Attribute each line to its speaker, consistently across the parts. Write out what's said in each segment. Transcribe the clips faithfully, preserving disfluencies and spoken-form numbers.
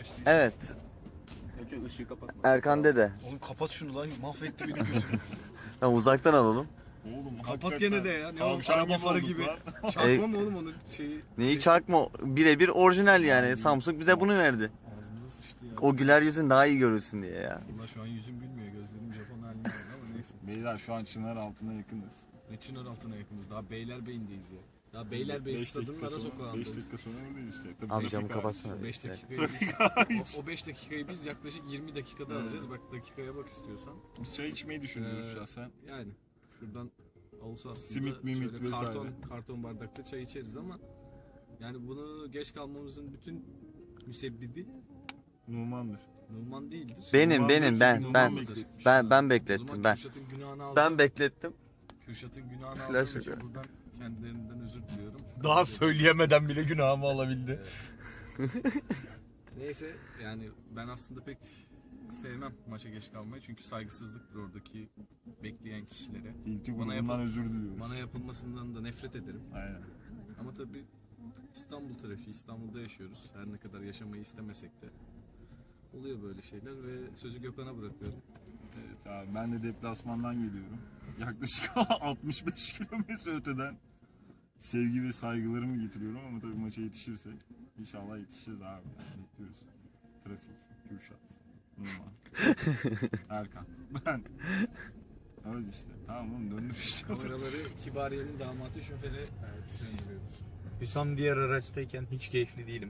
Speaker 1: başlayacak.
Speaker 2: Evet.
Speaker 3: Önce ışığı kapatma.
Speaker 2: Erkan dede.
Speaker 1: Oğlum kapat şunu lan, mahvetti benim gözümü.
Speaker 2: Tamam, uzaktan alalım.
Speaker 3: Oğlum
Speaker 1: Kapat gene de ya. Ne oğlum,
Speaker 3: Tavşan
Speaker 1: araba
Speaker 3: gibi
Speaker 1: farı
Speaker 3: olduk
Speaker 1: gibi.
Speaker 3: lan.
Speaker 1: Çakma mı oğlum onun şeyi?
Speaker 2: Neyi çakma? Birebir orijinal yani. Samsung bize bunu verdi.
Speaker 1: Ağzımıza sıçtı ya.
Speaker 2: O güler yüzün daha iyi görülsün diye ya.
Speaker 1: Valla şu an yüzüm gülmüyor, gözlerim Japon haline geldi ama neyse.
Speaker 3: Beyler şu an Çınar altına yakınız.
Speaker 1: Ne Çınar altına yakınız, daha Beylerbeyi'ndeyiz ya. Daha Beylerbeyi
Speaker 3: Beş
Speaker 1: stadının
Speaker 3: dakika
Speaker 1: ara
Speaker 3: sonra-
Speaker 1: sokağındayız.
Speaker 3: beş dakika sonra oradayız işte. Tabii
Speaker 2: Abi
Speaker 3: trafik
Speaker 2: camı
Speaker 3: hariç.
Speaker 2: kapatsana.
Speaker 1: beş
Speaker 2: Evet.
Speaker 1: dakikayı biz, o, o beş dakikayı biz yaklaşık yirmi dakikada alacağız. Bak dakikaya bak istiyorsan.
Speaker 3: Biz çay içmeyi düşünüyoruz
Speaker 1: Ee,
Speaker 3: şahsen.
Speaker 1: Yani şuradan olsa aslında
Speaker 3: Simit, mimit
Speaker 1: şöyle
Speaker 3: vesaire.
Speaker 1: karton, karton bardakta çay içeriz ama yani bunu geç kalmamızın bütün müsebbibi
Speaker 3: Numan'dır.
Speaker 1: Numan değildir.
Speaker 2: Benim
Speaker 3: Numan
Speaker 2: benim
Speaker 3: bekliyor,
Speaker 2: ben
Speaker 3: Numan
Speaker 2: ben
Speaker 3: bekletmiş.
Speaker 2: ben ben
Speaker 1: O
Speaker 2: beklettim
Speaker 1: zaman
Speaker 2: ben.
Speaker 1: Kürşat'ın günahını aldım.
Speaker 2: Ben beklettim.
Speaker 1: Kürşat'ın günahını
Speaker 2: Flash
Speaker 1: aldığım için
Speaker 2: şaka.
Speaker 1: buradan kendilerinden özür diliyorum.
Speaker 4: Daha söyleyemeden bile günahımı alabildi.
Speaker 1: Neyse yani ben aslında pek sevmem maça geç kalmayı çünkü saygısızlıktır oradaki bekleyen kişilere.
Speaker 3: İlti
Speaker 1: Bana
Speaker 3: grubundan
Speaker 1: yapıl-
Speaker 3: özür diliyoruz.
Speaker 1: Bana yapılmasından da nefret ederim.
Speaker 3: Aynen.
Speaker 1: Ama tabii İstanbul trafiği, İstanbul'da yaşıyoruz. Her ne kadar yaşamayı istemesek de oluyor böyle şeyler ve sözü Gökhan'a bırakıyorum.
Speaker 3: Evet abi ben de deplasmandan geliyorum. Yaklaşık altmış beş kilometre öteden sevgi ve saygılarımı getiriyorum ama tabii maça yetişirsek inşallah yetişiriz abi. Yani bekliyoruz. Trafik, Kürşat, Numan, Erkan, ben. Öyle işte. Tamam oğlum döndüm işte.
Speaker 1: Kameraları Kibariye'nin damatı şoföre döndürüyoruz.
Speaker 4: Hüsam diğer araçtayken hiç keyifli değilim.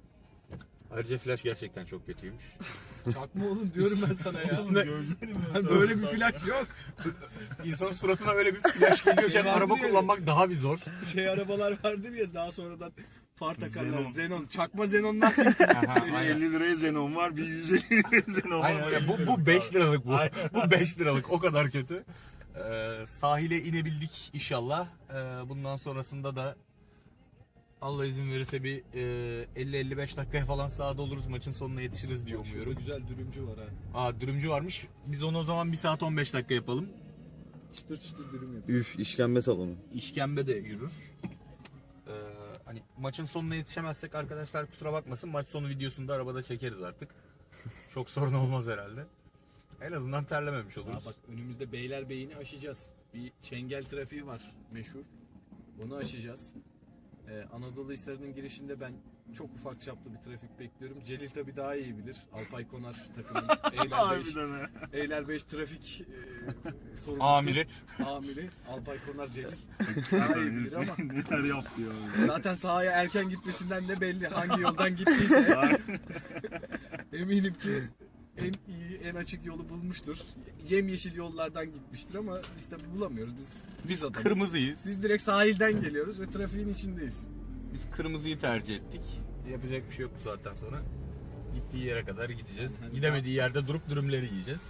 Speaker 4: Ayrıca flash gerçekten çok kötüymüş.
Speaker 1: Çakma oğlum diyorum ben sana ya.
Speaker 4: Üstüne-
Speaker 3: Gözlerim ya.
Speaker 1: Ben böyle bir flash yok.
Speaker 4: İnsanın suratına böyle bir flash geliyorken
Speaker 1: Şey
Speaker 4: araba
Speaker 1: vardır ya.
Speaker 4: kullanmak daha bir zor.
Speaker 1: Şey arabalar vardır ya daha sonradan far takarlar.
Speaker 3: Xenon.
Speaker 1: Xenon. Çakma Xenon'dan.
Speaker 3: elli liraya Xenon var, bir yüz elli liraya Xenon var.
Speaker 4: Aynen öyle. Bu, bu beş liralık bu. Bu beş liralık. O kadar kötü. Ee, sahile inebildik inşallah. Ee, bundan sonrasında da Allah izin verirse bir e, elli elli beş dakikaya falan sahada oluruz. Maçın sonuna yetişiriz diye
Speaker 1: Şurada
Speaker 4: umuyorum.
Speaker 1: güzel dürümcü var ha.
Speaker 4: Aa dürümcü varmış. Biz onu o zaman bir saat on beş dakika yapalım.
Speaker 1: Çıtır çıtır dürüm yapıyor.
Speaker 2: Üf, işkembe salonu.
Speaker 4: İşkembe de yürür. Ee, hani maçın sonuna yetişemezsek arkadaşlar kusura bakmasın. Maç sonu videosunu da arabada çekeriz artık. Çok sorun olmaz herhalde. En azından terlememiş
Speaker 1: Ya
Speaker 4: oluruz.
Speaker 1: bak önümüzde Beylerbeyi'ni aşacağız. Bir Çengel trafiği var meşhur. Onu aşacağız. Ee, Anadolu Hisarı'nın girişinde ben çok ufak çaplı bir trafik bekliyorum. Celil tabii daha iyi bilir. Alpay Konar takımın Eyler beş,
Speaker 3: Harbiden ha.
Speaker 1: Eyler beş trafik e, sorumlusu.
Speaker 4: Amiri.
Speaker 1: Amiri. Alpay Konar Celil. Daha iyi bilir ama
Speaker 3: Neler yaptı ya.
Speaker 1: zaten sahaya erken gitmesinden de belli. Hangi yoldan gittiyse eminim ki en iyi, en açık yolu bulmuştur. Yemyeşil yollardan gitmiştir ama biz tabi bulamıyoruz. Biz biz adamız.
Speaker 4: Kırmızıyız.
Speaker 1: Biz direkt sahilden geliyoruz ve trafiğin içindeyiz.
Speaker 4: Biz kırmızıyı tercih ettik. Yapacak bir şey yok bu saatten sonra. Gittiği yere kadar gideceğiz. Gidemediği yerde durup dürümleri yiyeceğiz.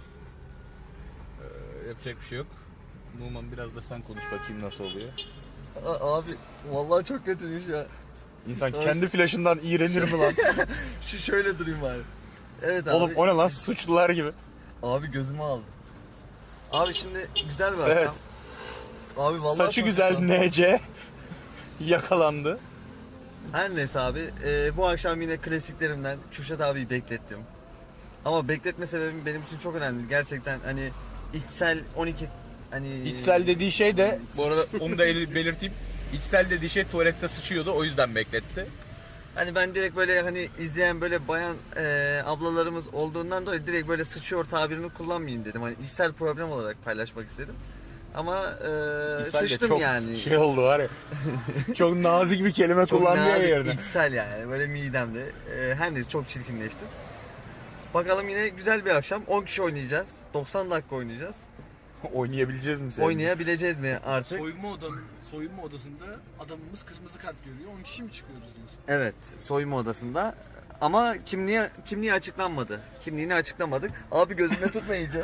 Speaker 4: Ee, yapacak bir şey yok. Numan biraz da sen konuş bakayım nasıl oluyor.
Speaker 2: Abi vallahi çok kötüymüş ya.
Speaker 4: İnsan
Speaker 2: Abi-
Speaker 4: kendi flaşından iğrenir mi lan?
Speaker 2: Şu şöyle durayım bari. Evet abi.
Speaker 4: Oğlum o ne lan suçlular gibi.
Speaker 2: Abi gözümü aldı. Abi şimdi güzel bir
Speaker 4: Evet.
Speaker 2: akşam. Abi vallahi
Speaker 4: Saçı
Speaker 2: çok
Speaker 4: güzel
Speaker 2: güzel.
Speaker 4: N C yakalandı.
Speaker 2: Her neyse abi e, bu akşam yine klasiklerimden Kürşat abiyi beklettim. Ama bekletme sebebim benim için çok önemli. Gerçekten hani içsel on iki hani
Speaker 4: İçsel dediği şey de bu arada onu da el- belirteyim. İçsel dediği şey tuvalette sıçıyordu o yüzden bekletti.
Speaker 2: Hani ben direkt böyle hani izleyen böyle bayan e, ablalarımız olduğundan dolayı direkt böyle sıçıyor tabirini kullanmayayım dedim. Hani içsel problem olarak paylaşmak istedim. Ama e,
Speaker 4: İçsel de
Speaker 2: sıçtım
Speaker 4: çok
Speaker 2: yani.
Speaker 4: Şey oldu var ya. Çok nazik bir kelime
Speaker 2: Çok
Speaker 4: kullandı ya
Speaker 2: nazik,
Speaker 4: yerine.
Speaker 2: içsel yani böyle midemde. E, her neyse çok çirkinleştim. Bakalım yine güzel bir akşam. on kişi oynayacağız. doksan dakika oynayacağız.
Speaker 4: Oynayabileceğiz mi sen?
Speaker 2: Oynayabileceğiz mi artık?
Speaker 1: Soyunma odanın soyunma odasında adamımız kırmızı kart görüyor. on kişi mi çıkıyoruz diyorsun?
Speaker 2: Evet, soyunma odasında. Ama kimliği kimliği açıklanmadı. Kimliğini açıklamadık. Abi gözüme tutma iyice.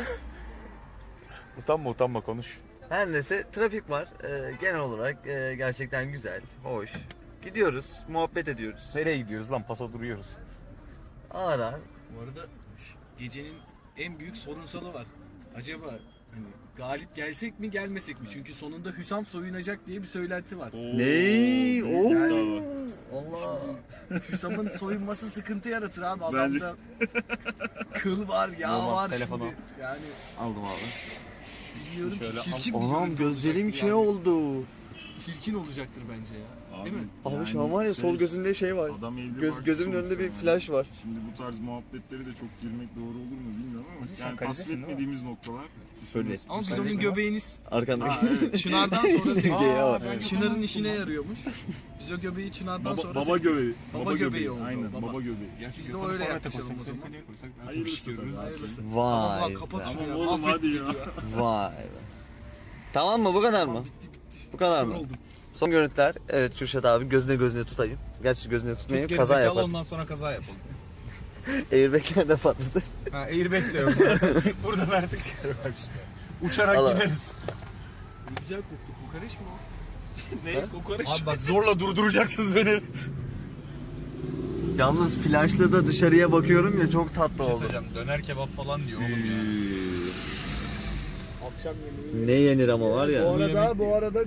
Speaker 4: Utanma utanma konuş.
Speaker 2: Her neyse trafik var. Ee, genel olarak e, gerçekten güzel, hoş. Gidiyoruz, muhabbet ediyoruz.
Speaker 4: Nereye gidiyoruz lan? Paso duruyoruz.
Speaker 2: Ağır ağır.
Speaker 1: Bu arada gecenin en büyük sorunsalı var. Acaba hani galip gelsek mi gelmesek mi? Çünkü sonunda Hüsam soyunacak diye bir söylenti var.
Speaker 2: Ne? Oo.
Speaker 3: Yani.
Speaker 2: Allah.
Speaker 1: Hüsam'ın soyunması sıkıntı yaratır abi.
Speaker 3: Bence-
Speaker 1: Adamda kıl var, yağ
Speaker 2: Normal,
Speaker 1: var
Speaker 2: telefonu.
Speaker 1: şimdi. Yani
Speaker 2: Aldım abi.
Speaker 1: bilmiyorum ki
Speaker 4: Şöyle
Speaker 1: çirkin bir
Speaker 2: Anam
Speaker 1: görüntü
Speaker 2: gözlerim
Speaker 1: olacaktır
Speaker 2: içine
Speaker 1: yani.
Speaker 2: oldu.
Speaker 1: Çirkin olacaktır bence ya. Değil mi?
Speaker 2: Abi
Speaker 3: yani
Speaker 2: şu an var ya sol
Speaker 3: şey,
Speaker 2: gözümde şey var.
Speaker 3: Adam evli
Speaker 2: Göz,
Speaker 3: barklı
Speaker 2: gözümün
Speaker 3: sonuçta
Speaker 2: önünde bir
Speaker 3: yani.
Speaker 2: flash var.
Speaker 3: Şimdi bu tarz muhabbetleri de çok girmek doğru olur mu bilmiyorum ama
Speaker 4: Sen
Speaker 3: yani
Speaker 4: kaledesin
Speaker 3: tasvip
Speaker 4: değil mi?
Speaker 3: etmediğimiz noktalar.
Speaker 2: Öyle.
Speaker 1: Ama biz
Speaker 4: Sen
Speaker 1: onun
Speaker 4: değil mi?
Speaker 1: göbeğini
Speaker 2: Arkandaki.
Speaker 3: Ha, evet.
Speaker 1: Çınar'dan sonra
Speaker 2: Geye var.
Speaker 1: Aa, Çınar'ın işine yarıyormuş. Biz o göbeği Çınar'dan
Speaker 3: Baba,
Speaker 1: sonra
Speaker 3: baba
Speaker 1: sevdik.
Speaker 3: göbeği.
Speaker 1: Baba
Speaker 3: Baba,
Speaker 1: göbeği
Speaker 3: göbeği.
Speaker 1: oldu,
Speaker 3: Aynen
Speaker 1: baba.
Speaker 3: baba göbeği.
Speaker 4: Gerçi
Speaker 1: Biz de
Speaker 4: Gökhan'ı
Speaker 1: öyle
Speaker 4: forvete
Speaker 1: yaklaşalım
Speaker 4: koysak,
Speaker 1: o zaman.
Speaker 4: Serkan'ı koysak daha çok
Speaker 3: Hayırlısı
Speaker 4: iş görürüz.
Speaker 3: tabii.
Speaker 1: Hayırlısı.
Speaker 2: Vay
Speaker 1: Tamam
Speaker 2: be.
Speaker 1: lan kapat şunu
Speaker 3: Tamam
Speaker 1: ya.
Speaker 3: oğlum hadi ya.
Speaker 2: Vay be. Tamam mı bu kadar mı?
Speaker 1: Bitti bitti.
Speaker 2: Bu kadar mı?
Speaker 1: Yoruldum.
Speaker 2: Son görüntüler. Evet Kürşat abi gözüne gözüne tutayım. Gerçi gözüne tutmayayım
Speaker 4: Tut
Speaker 2: kaza
Speaker 4: gerizekalı,
Speaker 2: yapar.
Speaker 4: ondan sonra kaza yapalım.
Speaker 2: Airbag'ler de patladı.
Speaker 4: Ha, airbag de yok. Buradan artık uçarak
Speaker 2: Allah.
Speaker 4: gideriz.
Speaker 1: Ne güzel koktu. Kokoreç mi o?
Speaker 4: Ne? Kokoreç. Abi bak zorla durduracaksınız beni.
Speaker 2: Yalnız flaşla da dışarıya bakıyorum ya çok tatlı
Speaker 4: Bir şey
Speaker 2: oldu.
Speaker 4: söyleyeceğim. Döner kebap falan diyor oğlum ya.
Speaker 1: Akşam yemeği.
Speaker 2: Ne yenir ama var
Speaker 1: Bu
Speaker 2: ya.
Speaker 1: arada bu arada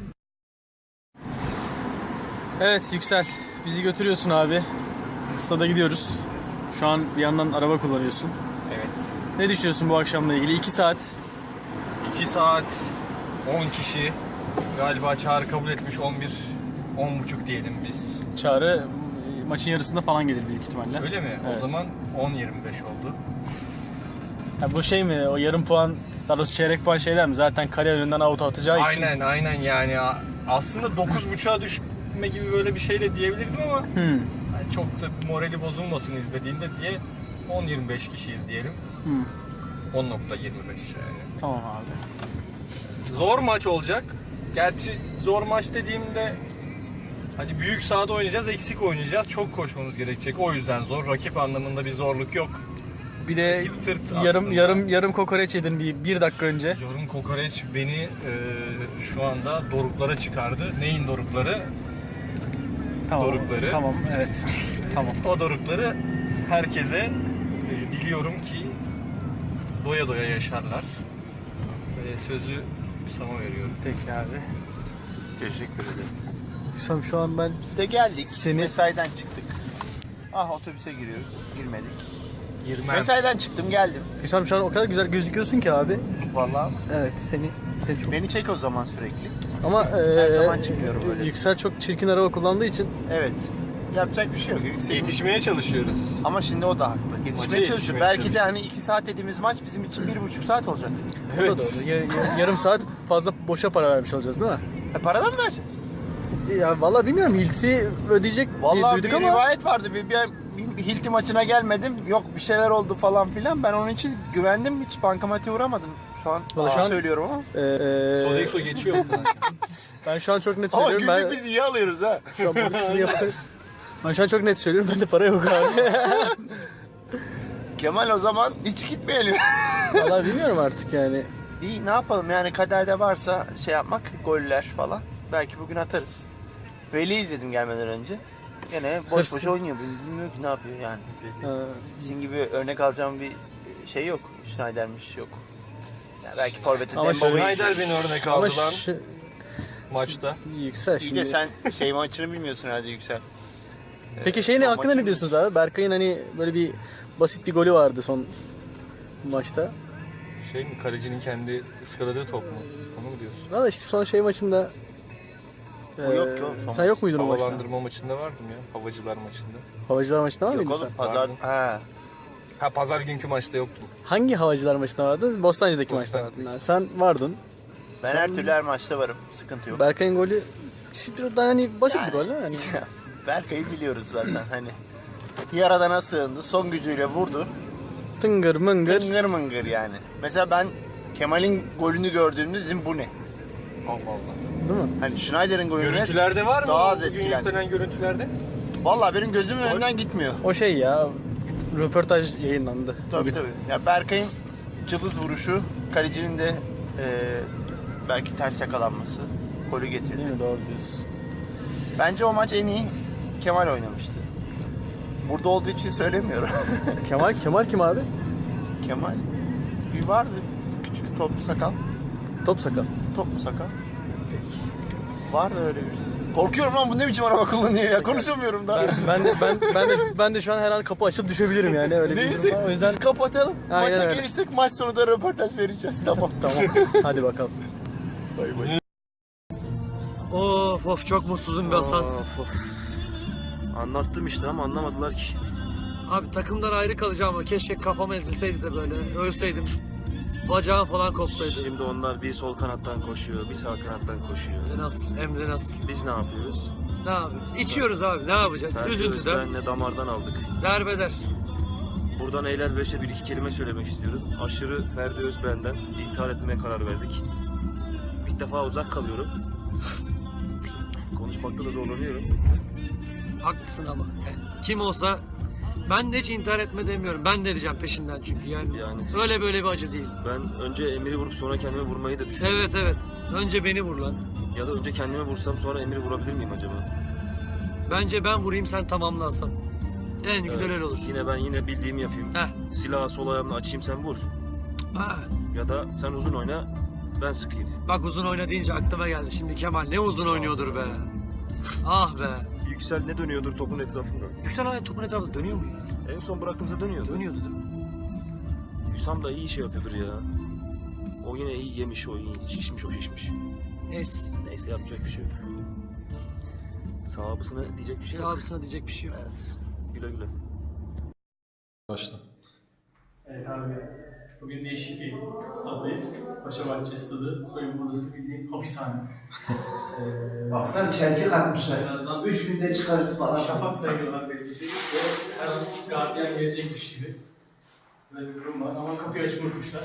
Speaker 5: Evet Yüksel, bizi götürüyorsun abi. Stada gidiyoruz. Şu an bir yandan araba kullanıyorsun.
Speaker 6: Evet.
Speaker 5: Ne düşünüyorsun bu akşamla ilgili? iki saat.
Speaker 6: iki saat on kişi. Galiba Çağrı kabul etmiş on bir on buçuk diyelim biz.
Speaker 5: Çağrı e, maçın yarısında falan gelir büyük ihtimalle.
Speaker 6: Öyle mi?
Speaker 5: Evet.
Speaker 6: O zaman on yirmi beş oldu.
Speaker 5: Ha, bu şey mi? O yarım puan, daha doğrusu çeyrek puan şeyler mi? Zaten kale önünden out atacağı için.
Speaker 6: Aynen aynen yani A- aslında dokuz buçuğa düşme gibi böyle bir şey de diyebilirdim ama
Speaker 5: Hmm.
Speaker 6: yani çok da morali bozulmasın izlediğinde diye on yirmi beş kişiyiz diyelim.
Speaker 5: Hmm.
Speaker 6: on nokta yirmi beş yani.
Speaker 5: Tamam abi.
Speaker 6: Zor maç olacak. Gerçi zor maç dediğimde hani büyük sahada oynayacağız, eksik oynayacağız. Çok koşmamız gerekecek. O yüzden zor. Rakip anlamında bir zorluk yok.
Speaker 5: Bir de
Speaker 6: Rakip tırt
Speaker 5: yarım
Speaker 6: aslında.
Speaker 5: yarım yarım kokoreç yedin bir, bir dakika önce.
Speaker 6: Yorum kokoreç beni e, şu anda doruklara çıkardı. Neyin dorukları?
Speaker 5: Tamam.
Speaker 6: Dorukları.
Speaker 5: Tamam, evet. Tamam.
Speaker 6: O dorukları herkese e, diliyorum ki doya doya yaşarlar. E, sözü Hüsam'a veriyorum.
Speaker 5: Peki abi.
Speaker 2: Teşekkür ederim.
Speaker 5: Hüsam şu an ben
Speaker 7: İşte geldik.
Speaker 5: Seni-
Speaker 7: Mesaiden çıktık. Ah otobüse giriyoruz. Girmedik.
Speaker 6: Girmem.
Speaker 7: Mesaiden çıktım geldim.
Speaker 5: Hüsam şu an o kadar güzel gözüküyorsun ki abi.
Speaker 7: Vallahi
Speaker 5: Evet, seni seni çok.
Speaker 7: beni çek o zaman sürekli.
Speaker 5: Ama
Speaker 7: Her
Speaker 5: e,
Speaker 7: zaman çıkmıyorum öyle.
Speaker 5: Yüksel çok çirkin araba kullandığı için
Speaker 7: Evet. Yapacak bir şey yok. Yüksek.
Speaker 6: Yetişmeye çalışıyoruz.
Speaker 7: Ama şimdi o da haklı. Yetişmeye
Speaker 6: Maça
Speaker 7: çalışıyor.
Speaker 6: yetişmeye
Speaker 7: Belki de
Speaker 6: çalışıyor.
Speaker 7: hani iki saat dediğimiz maç bizim için bir buçuk saat olacak.
Speaker 5: o da doğru. Ya- ya- yarım saat fazla boşa para vermiş olacağız değil mi?
Speaker 7: E paradan mı vereceğiz?
Speaker 5: Ya vallahi bilmiyorum, Hilti ödeyecek diye
Speaker 7: Vallahi
Speaker 5: duyduk
Speaker 7: bir
Speaker 5: ama
Speaker 7: rivayet vardı. Bir, bir, bir, bir Hilti maçına gelmedim. Yok bir şeyler oldu falan filan. Ben onun için güvendim. Hiç bankamatiğe uğramadım. Şu an,
Speaker 5: Vallahi şu
Speaker 7: Aa,
Speaker 5: an-
Speaker 7: söylüyorum ama.
Speaker 5: e, e,
Speaker 6: Sodexo geçiyor mu?
Speaker 5: ben şu an çok net
Speaker 7: Ama
Speaker 5: söylüyorum.
Speaker 7: günlük
Speaker 5: Ben
Speaker 7: biz iyi alıyoruz ha.
Speaker 5: şu an bunu şunu yaparım. Ben şu an çok net söylüyorum. Bende para yok abi.
Speaker 7: Kemal o zaman hiç gitmeyelim.
Speaker 5: Vallahi bilmiyorum artık yani.
Speaker 7: İyi ne yapalım yani kaderde varsa şey yapmak goller falan. Belki bugün atarız. Veli izledim gelmeden önce. Gene boş boş
Speaker 5: Hırslı.
Speaker 7: oynuyor. Bilmiyorum ki ne yapıyor yani.
Speaker 5: Ha,
Speaker 7: Sizin gibi örnek alacağım bir şey yok. Schneider'miş yok. Yani belki forvete
Speaker 5: Ama
Speaker 7: Dembaba'yı
Speaker 5: şöyle-
Speaker 6: Schneider beni örnek
Speaker 5: ama
Speaker 6: aldı lan
Speaker 5: şu,
Speaker 6: maçta.
Speaker 5: Yüksel
Speaker 7: İyi
Speaker 5: şimdi.
Speaker 7: de sen şey maçını bilmiyorsun herhalde Yüksel.
Speaker 5: Peki şey ne
Speaker 7: son
Speaker 5: hakkında
Speaker 7: maçı-
Speaker 5: ne diyorsunuz abi? Berkay'ın hani böyle bir basit bir golü vardı son maçta.
Speaker 6: Şey mi, kalecinin kendi ıskaladığı top mu? Onu mu diyorsun?
Speaker 5: Valla işte son şey maçında
Speaker 7: O yok
Speaker 5: eee,
Speaker 7: ki oğlum, son
Speaker 5: sen yok muydun o maçta?
Speaker 6: Havalandırma maçında vardım ya. Havacılar maçında.
Speaker 5: Havacılar maçında var
Speaker 7: Yok
Speaker 5: mıydın
Speaker 7: oğlum
Speaker 5: sen?
Speaker 7: pazar.
Speaker 6: Vardım.
Speaker 7: Ha.
Speaker 6: Ha pazar günkü maçta yoktum.
Speaker 5: Hangi havacılar maçında vardın? Bostancı'daki maçta
Speaker 6: Bostancı'daki.
Speaker 5: vardın. Sen vardın.
Speaker 7: Ben her türlü her maçta varım. Sıkıntı yok.
Speaker 5: Berkay'ın golü biraz daha hani basit bir
Speaker 7: Yani-
Speaker 5: gol. Hani
Speaker 7: Berkay'ı biliyoruz zaten hani. Yaradana sığındı. Son gücüyle vurdu.
Speaker 5: tıngır mıngır.
Speaker 7: Tıngır mıngır yani. Mesela ben Kemal'in golünü gördüğümde dedim bu ne?
Speaker 6: Allah Allah.
Speaker 5: Değil mi?
Speaker 7: Hani Schneider'in golüne
Speaker 6: Görüntülerde var mı?
Speaker 7: daha
Speaker 6: o
Speaker 7: az
Speaker 6: bugün
Speaker 7: etkilendim.
Speaker 6: yüklenen görüntülerde.
Speaker 7: Vallahi benim gözümün önünden gitmiyor.
Speaker 5: O şey ya, röportaj yayınlandı.
Speaker 7: Tabii tabii. Ya Berkay'ın cılız vuruşu, kalecinin de e, belki ters yakalanması golü getirdi.
Speaker 5: Değil mi? Doğru diyorsun.
Speaker 7: Bence o maç en iyi Kemal oynamıştı. Burada olduğu için söylemiyorum.
Speaker 5: Kemal, Kemal kim abi?
Speaker 7: Kemal bir vardı. Küçük toplu sakal.
Speaker 5: Top sakal.
Speaker 7: Toplu sakal. Var da öyle birisi. Korkuyorum lan, bu ne biçim araba kullanıyor ya, konuşamıyorum daha.
Speaker 5: Ben, ben de ben ben de ben de şu an her an kapı açıp düşebilirim yani öyle bir durum
Speaker 7: Neyse
Speaker 5: var. O yüzden
Speaker 7: biz kapatalım.
Speaker 5: Aynen
Speaker 7: Maça
Speaker 5: öyle.
Speaker 7: gelirsek maç sonu da röportaj vereceğiz. Tamam.
Speaker 5: tamam. Hadi bakalım.
Speaker 7: Bay bay.
Speaker 8: Of of çok mutsuzum be Hasan. Anlattım işte ama anlamadılar ki. Abi takımdan ayrı kalacağım ama keşke kafam ezilseydi de böyle ölseydim. Bacağım falan kopsaydı.
Speaker 9: Şimdi onlar bir sol kanattan koşuyor, bir sağ kanattan koşuyor.
Speaker 8: Nasıl? Emre nasıl?
Speaker 9: Biz ne yapıyoruz?
Speaker 8: Ne yapıyoruz? İçiyoruz abi, ne yapacağız?
Speaker 9: Ferdi
Speaker 8: Üzüntüden.
Speaker 9: Özben'le damardan aldık.
Speaker 8: Derbeder.
Speaker 9: Buradan Eyler Beş'e bir iki kelime söylemek istiyorum. Aşırı Ferdi Özben'den intihar etmeye karar verdik. İlk defa uzak kalıyorum. Konuşmakta da zorlanıyorum.
Speaker 8: Haklısın ama. Yani kim olsa ben de hiç intihar etme demiyorum. Ben de edeceğim peşinden çünkü yani.
Speaker 9: Yani
Speaker 8: Öyle böyle bir acı değil.
Speaker 9: ben önce Emir'i vurup sonra kendimi vurmayı da düşünüyorum.
Speaker 8: Evet evet. Önce beni vur lan.
Speaker 9: Ya da önce kendimi vursam sonra Emir'i vurabilir miyim acaba?
Speaker 8: Bence ben vurayım sen tamamlansan. En güzel
Speaker 9: Evet,
Speaker 8: öyle olur.
Speaker 9: Yine ben yine bildiğimi yapayım.
Speaker 8: Heh.
Speaker 9: Silahı sol ayağımla açayım, sen vur.
Speaker 8: Ha.
Speaker 9: Ya da sen uzun oyna, ben sıkayım.
Speaker 8: Bak uzun oyna deyince aklıma geldi. Şimdi Kemal ne uzun oynuyordur be. Ah be.
Speaker 9: Yüksel ne dönüyordur topun etrafında?
Speaker 8: Yüksel hala topun etrafında dönüyor mu?
Speaker 9: En son bıraktığımızda dönüyordu.
Speaker 8: Dönüyordu değil mi?
Speaker 9: Hüsam da iyi şey yapıyordur ya. O yine iyi yemiş, o iyi. Şişmiş, o şişmiş.
Speaker 8: Neyse.
Speaker 9: Neyse, yapacak bir şey yok. Sahabısına diyecek bir şey yok.
Speaker 8: Sahabısına diyecek bir şey yok.
Speaker 9: Evet. Güle güle.
Speaker 1: Başla.
Speaker 5: Evet abi. Bugün değişik bir staddayız. Paşabahçe stadı. Soyunma odası bildiğin hapishane. ee,
Speaker 7: Baksana çentik atmışlar.
Speaker 5: birazdan
Speaker 7: Üç günde çıkarız falan.
Speaker 5: şafak sayılırlar belirtecek ve her an gardiyan gelecekmiş gibi. Böyle bir durum var ama kapıyı açık unutmuşlar.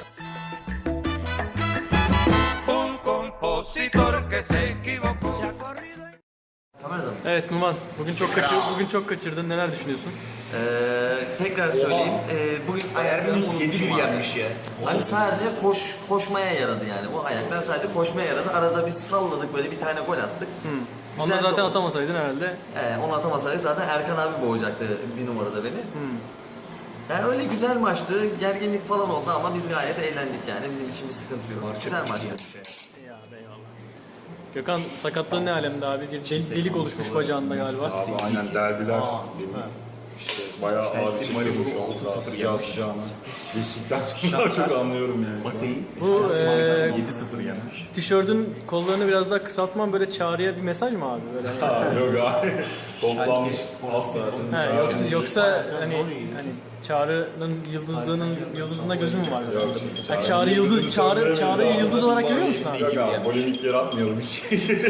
Speaker 5: Evet Numan, bugün çok kaçır, bugün çok kaçırdın. Neler düşünüyorsun?
Speaker 2: Ee, tekrar söyleyeyim. Ee, bugün ayaklarım unutmuşum abi.
Speaker 7: ya.
Speaker 2: Hani sadece koş koşmaya yaradı yani. O ayaklar sadece koşmaya yaradı. Arada bir salladık, böyle bir tane gol attık.
Speaker 5: Hmm. Onu
Speaker 2: Güzel
Speaker 5: da zaten
Speaker 2: oldu.
Speaker 5: atamasaydın herhalde.
Speaker 2: Ee, onu atamasaydı zaten Erkan abi boğacaktı bir numarada beni.
Speaker 5: Hmm.
Speaker 2: Yani öyle güzel maçtı. Gerginlik falan oldu ama biz gayet eğlendik yani. Bizim için bir sıkıntı yok. Güzel maçtı.
Speaker 5: Ya eyvallah. Gökhan sakatlığın ne alemde abi? Bir delik, delik oluşmuş bacağında galiba.
Speaker 3: Abi aynen derbiler. İşte bayağı ağır bir şekilde şu an sıcağı sıcağına. Beşiktaş daha çok anlıyorum yani.
Speaker 5: Bu e,
Speaker 3: yedi sıfır yenmiş.
Speaker 5: tişörtün kollarını biraz daha kısaltman böyle çağrıya bir mesaj mı abi? Böyle hani-
Speaker 3: Yok abi. Toplanmış asla.
Speaker 5: Ha, yoksa yoksa hani hani Çağrı'nın yıldızlığının yıldızında gözü mü var? mesela? Yani Çağrı yıldız Çağrı Çağrı'yı yıldız olarak görüyor musun abi?
Speaker 3: Yok abi, polemik yaratmayalım hiç.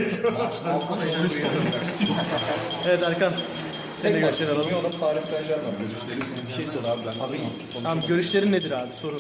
Speaker 5: Evet Erkan. Senin de görüşlerini alalım.
Speaker 10: Paris Saint-Germain. Görüşlerin bir şey sor abi ben. Abi,
Speaker 5: Tamam görüşlerin nedir abi? Soru.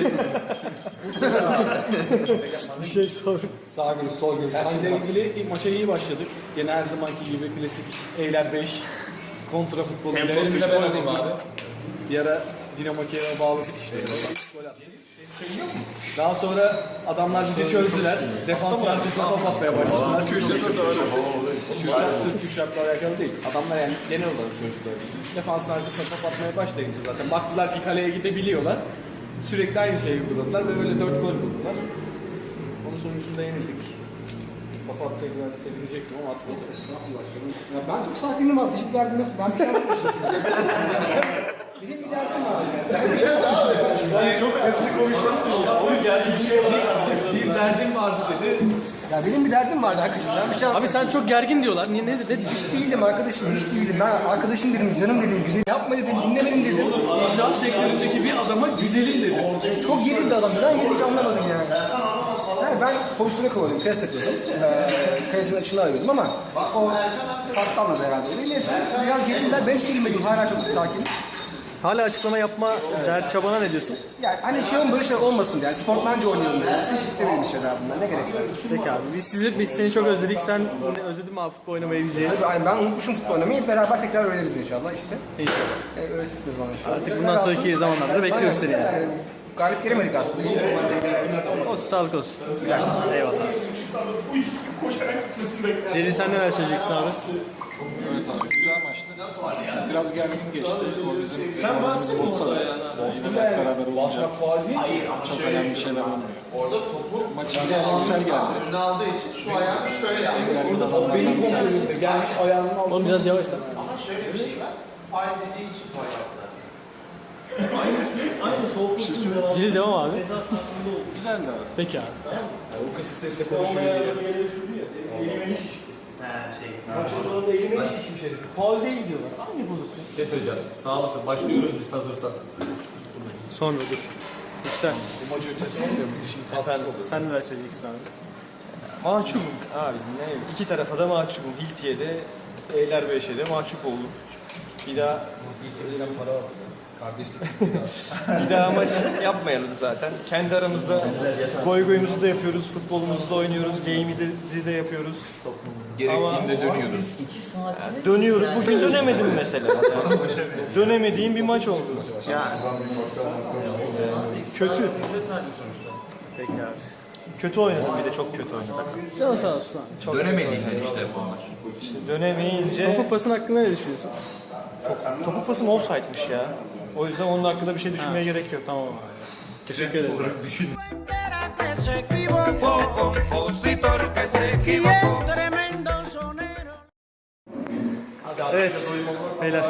Speaker 5: Bir şey sor.
Speaker 10: sağ görüş, sol görüş. Her şeyle ilgili ilk maça iyi başladık. Gene her zamanki gibi klasik Eyler beş. Kontra futboluyla elimle ben alayım abi. Bir ara Dinamo Kiev'e bağladık işte. Gol attık. Daha sonra adamlar bizi çözdüler. Defanslar bizi top atmaya başladılar. Kürşat sırf Kürşat'la alakalı değil. Adamlar yani genel olarak çözdüler bizi. Defansın arkasına top atmaya başlayınca zaten baktılar ki kaleye gidebiliyorlar. Sürekli aynı şeyi uyguladılar ve böyle dört gol buldular. Onun sonucunda yenildik. Kafa atsaydılar sevinecektim ama atmadı.
Speaker 11: Ya ben çok sakinim aslında. Hiçbir derdim yok. Ben bir şey yapmamışım. Benim bir derdim var.
Speaker 7: Sen çok hızlı konuşuyorsun ya. O yüzden bir şey
Speaker 5: Bir derdim vardı dedi.
Speaker 11: Ya benim bir derdim vardı arkadaşım. Ben bir şey
Speaker 5: Abi sen çok gergin diyorlar. Niye ne ne diyeceksin?
Speaker 11: hiç değilim arkadaşım. Hiç değilim. Ben arkadaşım dedim, canım dedim, güzel yapma dedim, dinlemedim dedim.
Speaker 5: İnşaat sektöründeki bir adama güzelim dedi.
Speaker 11: Çok gerildi adam. Ben gerici anlamadım yani. Yani ben pozisyona kovalıyordum, pres yapıyordum. Ee, Kayıcının açını arıyordum ama o farklı anladı herhalde. Neyse biraz gerildiler. Ben hiç gerilmedim. Hala çok sakin.
Speaker 5: Hala açıklama yapma dert çabana ne diyorsun?
Speaker 11: Yani hani şey olmasın, böyle şey olmasın yani. Sportmence oynayalım dedim. Hiç istemediğim şeyler bunlar. Ne gerek var?
Speaker 5: Peki abi biz sizi biz seni çok özledik. Sen özledin mi abi futbol oynamayı bizi?
Speaker 11: Tabii aynen, ben unutmuşum futbol oynamayı. Beraber tekrar öğreniriz inşallah işte.
Speaker 5: İnşallah.
Speaker 11: E, öğretirsiniz bana inşallah.
Speaker 5: Artık bundan sonraki zamanlarda bekliyoruz seni yani.
Speaker 11: Yani, galip gelemedik aslında. İyi bir
Speaker 5: Olsun sağlık olsun. Eyvallah. Celil sen neler söyleyeceksin abi?
Speaker 10: Evet abi güzel maçtı. Biraz gergin geçti. O bizim sen bastın mı orada yani? Boston'la hep beraber olunca çok önemli şeyler olmuyor.
Speaker 7: Orada topu
Speaker 10: Maçın güzel geldi.
Speaker 7: önüne aldığı için şu ayağını şöyle yaptı.
Speaker 10: Orada benim kontrolümde gelmiş ayağının altına.
Speaker 5: Oğlum biraz yavaş lan.
Speaker 7: Ama şöyle bir şey var. Faul dediği için faul yaptılar.
Speaker 5: Celil devam abi.
Speaker 10: Güzeldi abi.
Speaker 5: Peki abi.
Speaker 10: O kısık sesle konuşuyor diye.
Speaker 7: He şey.
Speaker 8: Faul değil diyorlar. Hangi bozuk?
Speaker 4: Bir şey söyleyeceğim. Sağ mısın? Başlıyoruz biz hazırsan.
Speaker 5: Sonra dur. Yüksel.
Speaker 10: Bu maç öncesi olmuyor mu? Şimdi tatsız oluyor.
Speaker 5: Sen neler söyleyeceksin abi?
Speaker 6: Mahcubum abi. Ne? İki tarafa da mahcubum. Hilti'ye de Eylerbeş'e de mahcup oldum. Bir daha
Speaker 10: para var. Kardeşlik.
Speaker 6: bir daha maç yapmayalım zaten. Kendi aramızda goy goyumuzu da yapıyoruz, futbolumuzu da oynuyoruz, game'i de yapıyoruz.
Speaker 4: Gerektiğinde dönüyoruz.
Speaker 6: Yani dönüyoruz. Bugün dönemedim mesela. Yani dönemediğim bir maç oldu. Yani kötü.
Speaker 5: Peki abi.
Speaker 6: Kötü oynadım, bir de çok kötü oynadım.
Speaker 5: Canı sağ olsun abi. Çok
Speaker 4: Dönemediğinden işte bunlar.
Speaker 6: İşte dönemeyince
Speaker 5: Topu pasın hakkında ne düşünüyorsun?
Speaker 6: topu pasım offside'miş ya. O yüzden onun hakkında bir şey düşünmeye gerek yok.
Speaker 5: Tamam abi. Teşekkür ederiz.
Speaker 4: Düşün.
Speaker 12: Que se equivocó, compositor que se equivocó. Tremendo sonero.
Speaker 5: Evet. Beyler.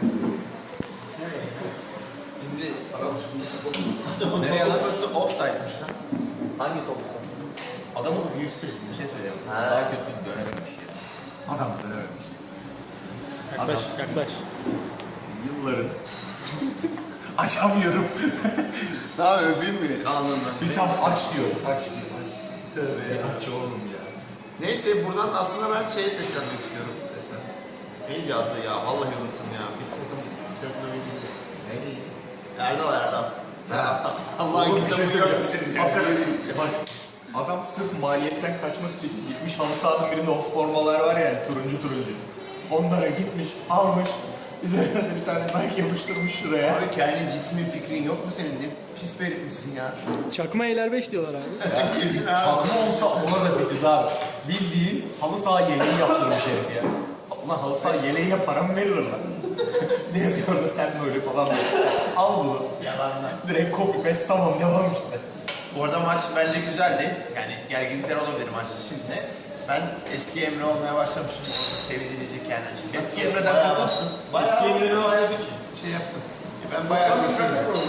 Speaker 2: Biz bir nereye lan? Burası offside'mış lan. Hangi topu pası?
Speaker 4: Adamın yüksek bir şey söyleyeyim. Daha kötü dönememiş ya. Adam dönememiş.
Speaker 5: Yaklaş, yaklaş.
Speaker 4: Yılların açamıyorum.
Speaker 2: Daha öpeyim mi? Anladım.
Speaker 4: Bir tam aç diyor. Aç diyor. Aç. Tövbe ya. Aç oğlum ya.
Speaker 2: Neyse buradan aslında ben şeye seslenmek istiyorum. Resmen. Neydi adı ya? Vallahi unuttum ya. Bir takım sırtına bildiğim. Neydi? Erdal Erdal. Allah'ın kitabı yok senin.
Speaker 4: Hakikaten bak adam sırf maliyetten kaçmak için gitmiş halı sahanın birinde o formalar var ya turuncu turuncu. Onlara gitmiş, almış. Üzerine de bir tane Nike yapıştırmış şuraya.
Speaker 2: Abi kendi cismin fikrin yok mu senin? Ne pis bir herifmişsin ya.
Speaker 5: Çakma Eyler beş diyorlar abi.
Speaker 2: Kesin abi.
Speaker 4: Çakma olsa ona da fikiriz abi. Bildiğin halı saha yeleği yaptırmış herif ya. Ulan halı saha yeleğine para mı verir lan? Ne yazıyor orada sen böyle falan diyor. Al bunu.
Speaker 2: Yalanlar.
Speaker 4: Direkt copy paste tamam devam işte.
Speaker 2: Bu arada maç bence güzeldi. Yani gerginlikler olabilir maçta şimdi. Ben eski Emre olmaya başlamışım. Orada sevinilecek yani açıkçası.
Speaker 4: Eski Emre'den kasıtsın.
Speaker 2: Eski Emre'den bayağı bir şey yaptım. Ben bayağı bir şey yaptım.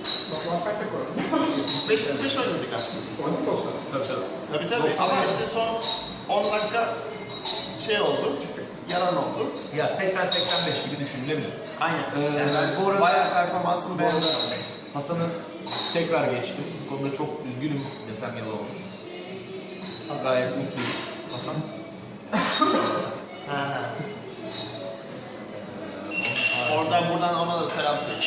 Speaker 2: beş beş oynadık aslında.
Speaker 10: Oynadık olsa.
Speaker 4: Tabii tabii.
Speaker 2: Tabii tabii. Ama işte son on dakika şey oldu. Yalan oldu.
Speaker 4: Ya seksen seksen beş gibi düşünülebilir.
Speaker 2: Aynen.
Speaker 4: Ee,
Speaker 2: Yani ben
Speaker 4: bu arada
Speaker 2: bayağı performansını beğendim.
Speaker 4: Hasan'ı tekrar geçtim. Bu konuda çok üzgünüm desem yalan olur. Gayet mutluyum. Hasan.
Speaker 2: Ha, ha. Oradan buradan ona da selam söyle.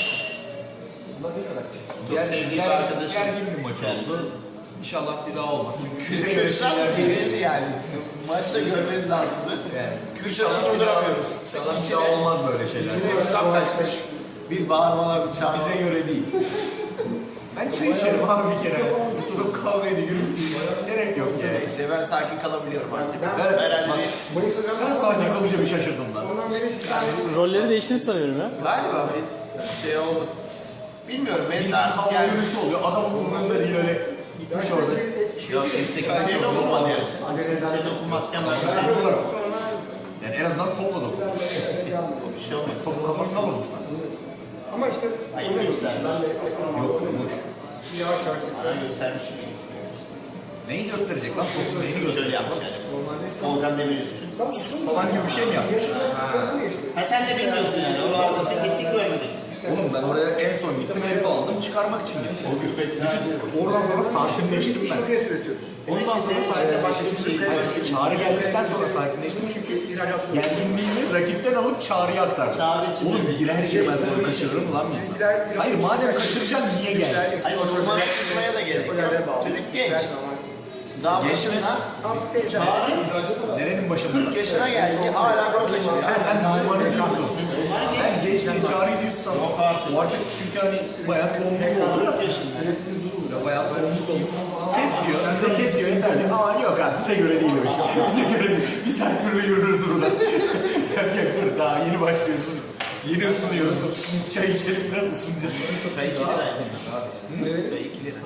Speaker 2: Çok sevdiğim bir arkadaşım.
Speaker 4: Gergin bir maç oldu. İnşallah bir daha olmaz. Çünkü
Speaker 2: Kürşat gerildi yani. Maçta görmeniz lazımdı. Kürşat'ı durduramıyoruz.
Speaker 4: İnşallah bir daha olmaz böyle şeyler.
Speaker 2: İçine hesap kaçmış. Bir bağırmalar, bir çağırmalar.
Speaker 4: Bize göre değil. Ben çay içerim abi bir kere. Tutup kahveye de yürüteyim. Gerek yok yani.
Speaker 2: Neyse ben sakin kalabiliyorum artık.
Speaker 4: Evet.
Speaker 2: Herhalde
Speaker 4: Bak,
Speaker 2: bir...
Speaker 4: sen sakin kalınca bir şaşırdım lan.
Speaker 5: Rolleri değiştiniz sanıyorum ya.
Speaker 2: Galiba bir şey oldu. Bilmiyorum benim de artık
Speaker 4: Hava
Speaker 2: yani...
Speaker 4: yürütü oluyor. Adamın umurunda değil öyle. Gitmiş orada.
Speaker 2: Ya kimse kimseye dokunmadı ya. Kimse kimseye dokunmazken ben bir şey
Speaker 4: olarak. Yani en azından topla dokunmuş.
Speaker 2: bir şey olmaz.
Speaker 4: Topu kafasına vurmuşlar.
Speaker 11: Ama işte
Speaker 2: Hayır göstermiş.
Speaker 4: Yok vurmuş.
Speaker 11: yavaş yavaş.
Speaker 2: Bana göstermiş gibi.
Speaker 4: Neyi gösterecek lan? Topu neyini gösterecek?
Speaker 2: Şöyle yapmış yani. Volkan Demir'i düşün.
Speaker 4: Falan gibi bir şey mi yapmış?
Speaker 2: Ha sen de bilmiyorsun yani. O arada sen teknik görmedin.
Speaker 4: Oğlum ben oraya en son gittim herifi aldım çıkarmak için gittim.
Speaker 2: O gürbet düşün.
Speaker 4: Oradan sonra sakinleştim ben. Ondan sonra
Speaker 2: Senin başka bir şey. Başka bir şey.
Speaker 4: Çağrı geldikten sonra sakinleştim çünkü gerginliğimi rakipten alıp Çağrı'ya aktardım.
Speaker 2: Çağrı için
Speaker 4: Oğlum girer girmez bunu kaçırırım lan bir insan. Hayır madem kaçıracaksın niye geldin?
Speaker 2: Hayır oturma yapmaya da gerek yok. Çocuk genç. Daha başında Çağrı
Speaker 4: Nerenin başında?
Speaker 2: kırk yaşına geldi. Hala rol kaçırıyor.
Speaker 4: Ha sen numaranı diyorsun. Ben genç diye Çağrı'yı diyorsun. O artık çünkü hani bayağı tombul oldu.
Speaker 2: kırk yaşında.
Speaker 4: Ya bayağı tombul oldu. Kes diyor, bize kes diyor yeterli. Aa yok abi bize göre değil o iş. Bize göre değil. Biz her türlü yürürüz burada. Yok yok dur daha yeni başlıyoruz. Yeni ısınıyoruz. Çay içelim biraz ısınacağız.
Speaker 2: Çay iki lira. Çay iki lira.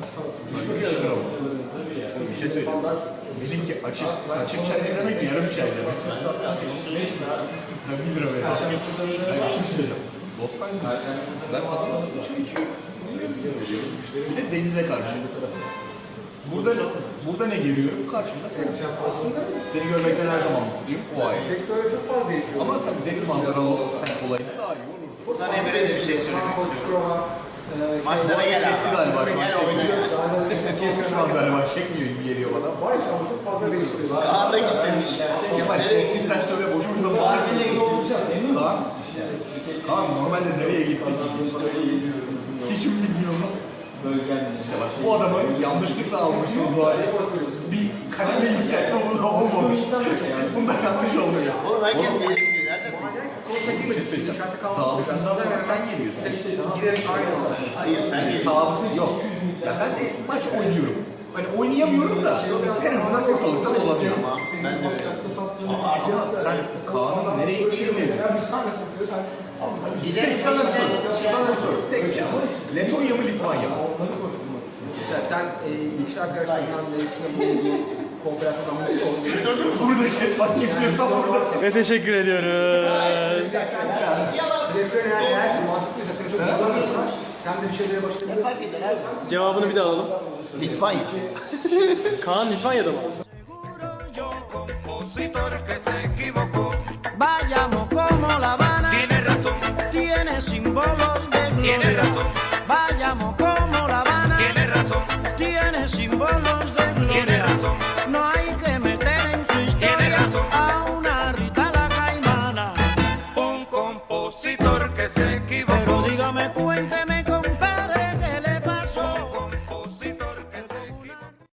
Speaker 4: Bir şey söyleyeyim. Benimki açık. Açık çay ne demek? Yarım çay demek. Ben bir lira vereceğim. Ben bir şey söyleyeceğim. Bostancı. Ben adamla çay içiyorum. Bir de denize karşı. Burada burada ne görüyorum? Karşımda sen. Seni görmekten her zaman mutluyum. O ayrı.
Speaker 11: çok fazla değişiyor.
Speaker 4: Ama tabii deniz manzaralı olsa olayı daha iyi olur.
Speaker 2: Buradan Emre'ye de bir şey söylemek istiyorum. Maçlara gel
Speaker 4: Kesti
Speaker 2: abi.
Speaker 4: galiba şu an.
Speaker 2: Gel oyna gel.
Speaker 4: Kesti şu an galiba. Çekmiyor gibi geliyor bana.
Speaker 11: Varsa ama çok fazla değişiyor.
Speaker 2: Kaan da gitmemiş.
Speaker 4: Kemal kesti sen söyle boşu boşuna bağırma. Kaan. Kaan normalde nereye gittik? Hiç bilmiyorum. İşte bak bu adamı yanlışlıkla almışsınız bu hali. Bir kademe yükseltme bunda olmamış. Bunda yanlış olmuyor.
Speaker 2: Oğlum herkes bir yere gidiyor. Nerede bu?
Speaker 4: Bir şey söyleyeceğim. Sağlısından sonra sen geliyorsun.
Speaker 11: Giderek aynı olsa.
Speaker 2: Hayır sen gel.
Speaker 4: Sağlısı yok. Ya ben de maç oynuyorum. Hani oynayamıyorum da en azından ortalıkta dolanıyorum.
Speaker 2: Ben de öyle.
Speaker 4: Sen Kaan'ın nereye gittiğini
Speaker 2: Gidelim.
Speaker 4: sana bir soru. Sana bir soru. Tek bir şey sor. Letonya mı Litvanya mı?
Speaker 11: Sen e, ilişki arkadaşlarından birisine bu ilgili kooperatif anlaşmış oldun.
Speaker 4: Burada kes bak kesiyorsam burada.
Speaker 5: Ve teşekkür ediyoruz.
Speaker 11: Referen eğer eğerse mantıklıysa seni çok anlamıyorsa sen de bir şeylere başlayabilirsin.
Speaker 2: Fark eder abi.
Speaker 5: Cevabını bir daha alalım.
Speaker 2: Litvanya.
Speaker 5: Kaan Litvanya'da mı?
Speaker 12: Yo, compositor que se equivocó. Vayamos como La Habana. Tiene razón. Tiene símbolos de gloria. Tiene razón. Vayamos como La Habana. Tiene razón. Tiene símbolos de gloria. Tiene razón. No hay que meter en su historia. Tiene razón. A una Rita la Caimana. Un compositor que se equivocó. Pero dígame, cuénteme, compadre, ¿qué le pasó?